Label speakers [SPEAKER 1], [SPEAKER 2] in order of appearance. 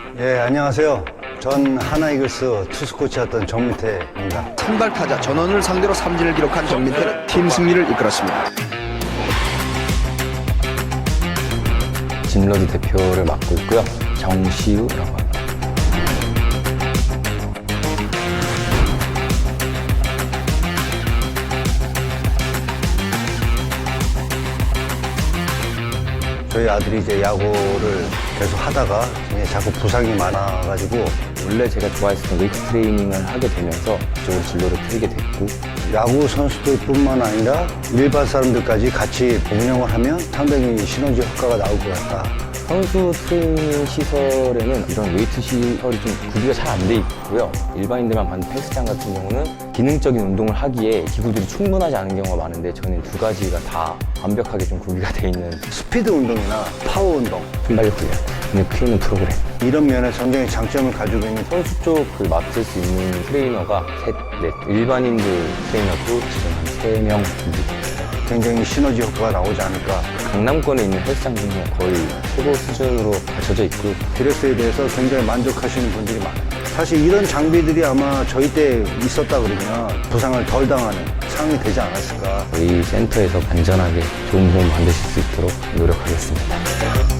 [SPEAKER 1] 예, 안녕하세요. 전 하나이글스 투수 코치였던 정민태입니다.
[SPEAKER 2] 선발 타자 전원을 상대로 삼진을 기록한 정민태는 팀 승리를 이끌었습니다.
[SPEAKER 3] 진로드 대표를 맡고 있고요. 정시우라고 합니다.
[SPEAKER 1] 저희 아들이 이제 야구를 계속 하다가 자꾸 부상이 많아가지고
[SPEAKER 3] 원래 제가 좋아했었던 웨이트 트레이닝을 하게 되면서 이쪽으로 진로를 틀게 됐고,
[SPEAKER 1] 야구 선수들뿐만 아니라 일반 사람들까지 같이 운영을 하면 상당히 시너지 효과가 나올 것 같다.
[SPEAKER 3] 선수 트레이닝 시설에는 이런 웨이트 시설이 좀 구비가 잘 안 돼 있고요. 일반인들만 받는 헬스장 같은 경우는 기능적인 운동을 하기에 기구들이 충분하지 않은 경우가 많은데, 저는 두 가지가 다 완벽하게 좀 구비가 돼 있는
[SPEAKER 1] 스피드 운동이나 파워 운동
[SPEAKER 3] 순발력 훈련, 근육 키우는 프로그램.
[SPEAKER 1] 이런 면에 굉장히 장점을 가지고 있는
[SPEAKER 3] 선수 쪽을 맡을 수 있는 트레이너가 셋, 넷, 일반인들 트레이너도 지금 한 3명 정도.
[SPEAKER 1] 굉장히 시너지 효과가 나오지 않을까.
[SPEAKER 3] 강남권에 있는 헬스장 중에 거의 최고 수준으로 갖춰져 있고,
[SPEAKER 1] 드레스에 대해서 굉장히 만족하시는 분들이 많아요. 사실 이런 장비들이 아마 저희 때 있었다 그러면 부상을 덜 당하는 상황이 되지 않았을까.
[SPEAKER 3] 저희 센터에서 안전하게 좋은 몸 만드실 수 있도록 노력하겠습니다.